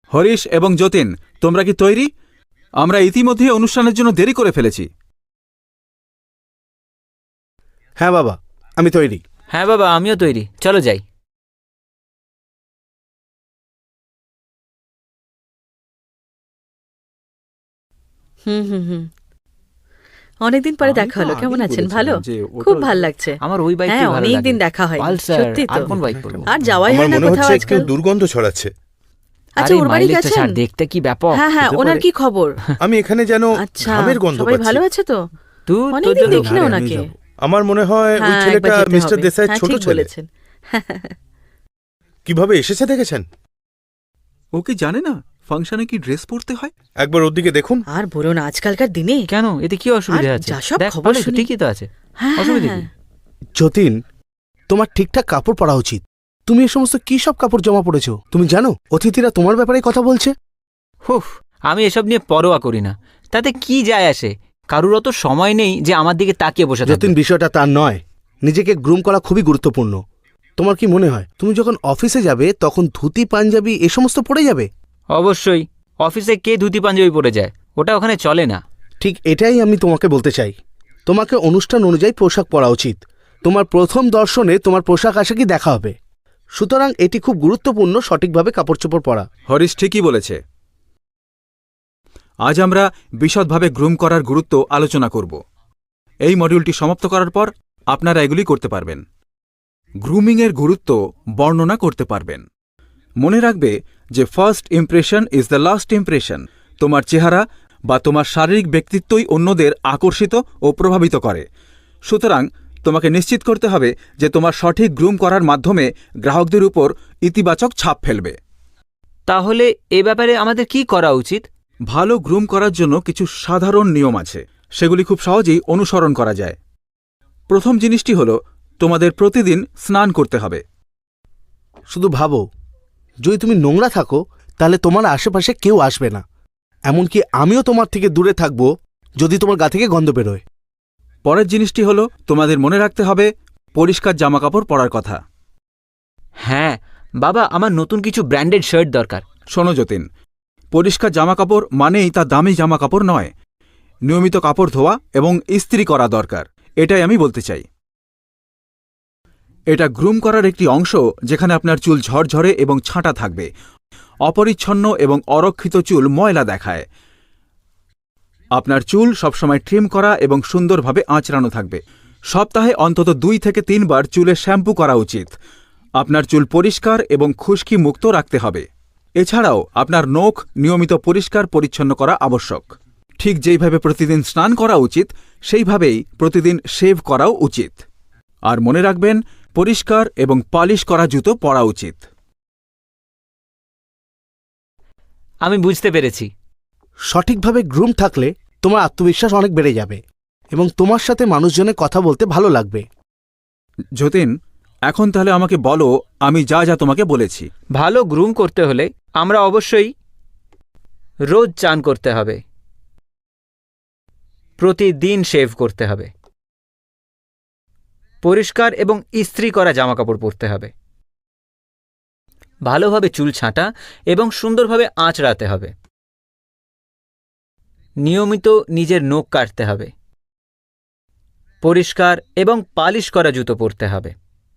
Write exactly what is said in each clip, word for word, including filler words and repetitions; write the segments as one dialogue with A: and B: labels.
A: হরিশ এবং যতীন, তোমরা কি তৈরি? আমরা ইতিমধ্যে অনুষ্ঠানের জন্য দেরি করে ফেলেছি।
B: হ্যাঁ বাবা, আমি তৈরি।
C: হ্যাঁ বাবা, আমিও তৈরি, চলো যাই।
D: হুম হুম হুম অনেকদিন পরে দেখা হলো। কেমন আছেন? ভালো,
A: যে
D: খুব ভালো লাগছে।
C: আমার ওই বাইক
D: হ্যাঁ,
C: ভালো লাগে।
D: অনেকদিন দেখা হয়,
C: পালসার,
D: সত্যি
C: আর
D: তো।
C: কোন বাইক পড়বো?
D: আর যাওয়াই
B: আমার
D: হয় না
B: মনে
D: কোথাও
B: হচ্ছে একটু
D: আজকাল।
B: দুর্গন্ধ ছড়াচ্ছে।
D: আচ্ছা,
C: আরে
D: ওর বাড়ি
C: মাইলেজটা
D: গেছেন?
C: ছাড়, দেখতে কি ব্যাপক।
D: হ্যাঁ হ্যাঁ,
C: হতে
D: ওনার
C: পারে।
D: কি খবর?
B: আমি এখানে যেন
D: আচ্ছা,
B: ঘামের গন্ধ
D: সবাই
B: পাচ্ছি।
D: ভালো আছে তো?
C: তুই তোর
D: অনেকদিন
C: জন্য
D: দেখি না
A: আরে, আমি
D: ওনাকে।
A: যাবো।
B: আমার মনে হয় ওই
D: হ্যাঁ,
B: ছেলেটা
D: একবার যেতে
B: মিস্টার
D: হবে।
B: দেসাইয়ের
D: হ্যাঁ,
B: ছোট
D: ঠিক
B: ছেলে।
D: বলেছেন।
B: কিভাবে এসেছে দেখেছেন?
A: ও কি জানে না ফাংশনে কি ড্রেস পরতে হয়?
B: একবার ওর দিকে দেখুন।
D: আর বলো না, আজকালকার দিনে
C: কেন, এতে কি অসুবিধা
D: আর
C: আছে?
D: যা সব
C: দেখ,
D: খবর
C: ভালোই তো,
D: শুনি।
C: ঠিকই তো আছে।
D: হ্যাঁ
C: অসুবিধা
D: হ্যাঁ
C: কি?
B: যতীন, তোমার ঠিকঠাক কাপড় পরা উচিত। তুমি এই সমস্ত কি সব কাপড় জমা পড়েছো? তুমি জানো অতিথিরা তোমার ব্যাপারে কথা বলছে?
C: হুফ, আমি এসব নিয়ে পরোয়া করি না। তাতে কি যায় আসে? কারুর অত সময় নেই যে আমার দিকে তাকিয়ে বসে থাকবে।
B: যতীন, বিষয়টা তার নয়। নিজেকে গ্রুম করা খুবই গুরুত্বপূর্ণ। তোমার কি মনে হয় তুমি যখন অফিসে যাবে তখন ধুতি পাঞ্জাবি এ সমস্ত পরে যাবে?
C: অবশ্যই। অফিসে কে ধুতি পাঞ্জাবি পরে যায়? ওটা ওখানে চলে না।
B: ঠিক এটাই আমি তোমাকে বলতে চাই। তোমাকে অনুষ্ঠান অনুযায়ী পোশাক পরা উচিত। তোমার প্রথম দর্শনে তোমার পোশাক আশাকই দেখা হবে। সুতরাং এটি খুব গুরুত্বপূর্ণ সঠিকভাবে কাপড় চোপড় পরা।
A: হরিশ ঠিকই বলেছে। আজ আমরা বিশদভাবে গ্রুম করার গুরুত্ব আলোচনা করব। এই মডিউলটি সমাপ্ত করার পর আপনারা এগুলি করতে পারবেন। গ্রুমিংয়ের গুরুত্ব বর্ণনা করতে পারবেন। মনে রাখবে যে first impression is the last impression. তোমার চেহারা বা তোমার শারীরিক ব্যক্তিত্বই অন্যদের আকর্ষিত ও প্রভাবিত করে। সুতরাং তোমাকে নিশ্চিত করতে হবে যে তোমার সঠিক গ্রুম করার মাধ্যমে গ্রাহকদের উপর ইতিবাচক ছাপ ফেলবে।
C: তাহলে এ ব্যাপারে আমাদের কি করা উচিত?
A: ভালো গ্রুম করার জন্য কিছু সাধারণ নিয়ম আছে, সেগুলি খুব সহজেই অনুসরণ করা যায়। প্রথম জিনিসটি হল তোমাদের প্রতিদিন স্নান করতে হবে।
B: শুধু ভাবো, যদি তুমি নোংরা থাকো তাহলে তোমার আশেপাশে কেউ আসবে না। এমনকি আমিও তোমার থেকে দূরে থাকবো যদি তোমার গা থেকে গন্ধ বেরোয়।
A: পরের জিনিসটি হল তোমাদের মনে রাখতে হবে পরিষ্কার জামাকাপড় পরার কথা।
C: হ্যাঁ বাবা, আমার নতুন কিছু ব্র্যান্ডেড শার্ট দরকার।
A: শোনো যতীন, পরিষ্কার জামাকাপড় মানেই তা দামি জামাকাপড় নয়। নিয়মিত কাপড় ধোয়া এবং ইস্ত্রি করা দরকার, এটাই আমি বলতে চাই। এটা গ্রুম করার একটি অংশ যেখানে আপনার চুল ঝরঝরে এবং ছাঁটা থাকবে। অপরিচ্ছন্ন এবং অরক্ষিত চুল ময়লা দেখায়। আপনার চুল সবসময় ট্রিম করা এবং সুন্দরভাবে আঁচড়ানো থাকবে। সপ্তাহে অন্তত দুই থেকে তিনবার চুলে শ্যাম্পু করা উচিত। আপনার চুল পরিষ্কার এবং খুশকি মুক্ত রাখতে হবে। এছাড়াও আপনার নখ নিয়মিত পরিষ্কার পরিচ্ছন্ন করা আবশ্যক। ঠিক যেইভাবে প্রতিদিন স্নান করা উচিত সেইভাবেই প্রতিদিন শেভ করাও উচিত। আর মনে রাখবেন, পরিষ্কার এবং পালিশ করা জুতো পরা উচিত।
C: আমি বুঝতে পেরেছি।
B: সঠিকভাবে গ্রুম থাকলে তোমার আত্মবিশ্বাস অনেক বেড়ে যাবে এবং তোমার সাথে মানুষজনের কথা বলতে ভালো লাগবে।
A: যতীন, এখন তাহলে আমাকে বলো আমি যা যা তোমাকে বলেছি।
C: ভালো গ্রুম করতে হলে আমরা অবশ্যই রোজ চান করতে হবে, প্রতিদিন শেভ করতে হবে, পরিষ্কার এবং ইস্ত্রি করা জামাকাপড় পরতে হবে, ভালোভাবে চুল ছাঁটা এবং সুন্দরভাবে আঁচড়াতে হবে, নিয়মিত নিজের নখ কাটতে হবে, পরিষ্কার এবং পালিশ করা জুতো পরতে হবে।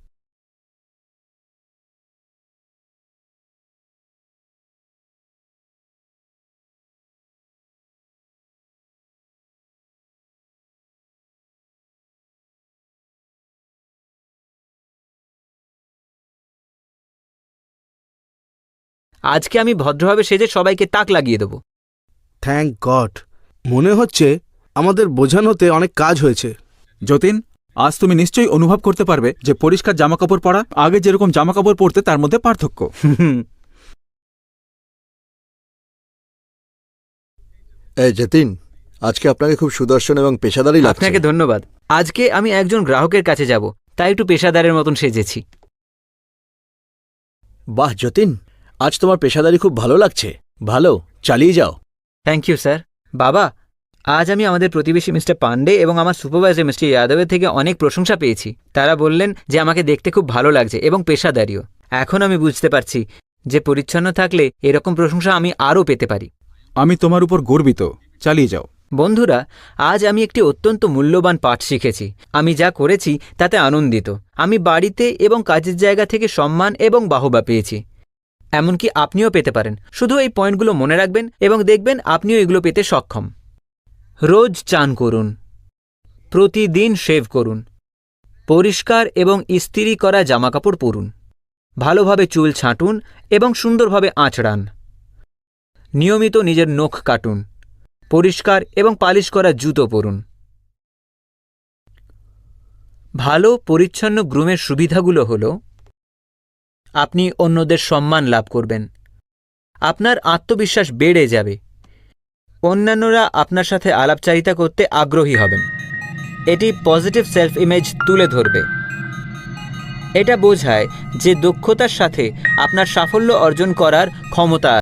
C: আজকে আমি ভদ্রভাবে সেজে সবাইকে তাক লাগিয়ে দেব।
B: Thank god. মনে হচ্ছে আমাদের বোঝানোতে অনেক কাজ হয়েছে।
A: যতীন, আজ তুমি নিশ্চয়ই অনুভব করতে পারবে যে পরিষ্কার জামাকাপড় পরা আগে যেরকম জামাকাপড় পরতে তার মধ্যে পার্থক্য।
E: এই যতীন, আজকে আপনাকে খুব সুদর্শন এবং পেশাদারী লাগছে।
C: আপনাকে ধন্যবাদ। আজকে আমি একজন গ্রাহকের কাছে যাব, তাই একটু পেশাদারের মতন সেজেছি।
E: বাহ যতীন, আজ তোমার পেশাদারি খুব ভালো লাগছে। ভালো, চালিয়ে যাও।
C: Thank you sir. বাবা, আজ আমি আমাদের প্রতিবেশী মিস্টার পান্ডে এবং আমার সুপারভাইজার মিস্টার যাদবের থেকে অনেক প্রশংসা পেয়েছি। তারা বললেন যে আমাকে দেখতে খুব ভালো লাগছে এবং পেশাদারিও। এখন আমি বুঝতে পারছি যে পরিচ্ছন্ন থাকলে এরকম প্রশংসা আমি আরও পেতে পারি।
A: আমি তোমার উপর গর্বিত। চালিয়ে যাও।
C: বন্ধুরা, আজ আমি একটি অত্যন্ত মূল্যবান পাঠ শিখেছি। আমি যা করেছি তাতে আনন্দিত। আমি বাড়িতে এবং কাজের জায়গা থেকে সম্মান এবং বাহবা পেয়েছি। এমনকি আপনিও পেতে পারেন। শুধু এই পয়েন্টগুলো মনে রাখবেন এবং দেখবেন আপনিও এগুলো পেতে সক্ষম। রোজ চান করুন, প্রতিদিন শেভ করুন, পরিষ্কার এবং ইস্ত্রি করা জামাকাপড় পরুন, ভালোভাবে চুল ছাঁটুন এবং সুন্দরভাবে আঁচড়ান, নিয়মিত নিজের নখ কাটুন, পরিষ্কার এবং পালিশ করা জুতো পরুন। ভালো পরিচ্ছন্ন গ্রুমের সুবিধাগুলো হল, আপনি অন্যদের সম্মান লাভ করবেন, আপনার আত্মবিশ্বাস বেড়ে যাবে, অন্যান্যরা আপনার সাথে আলাপচারিতা করতে আগ্রহী হবেন, এটি পজিটিভ সেলফ ইমেজ তুলে ধরবে। এটা বোঝায় যে দক্ষতার সাথে আপনার সাফল্য অর্জন করার ক্ষমতা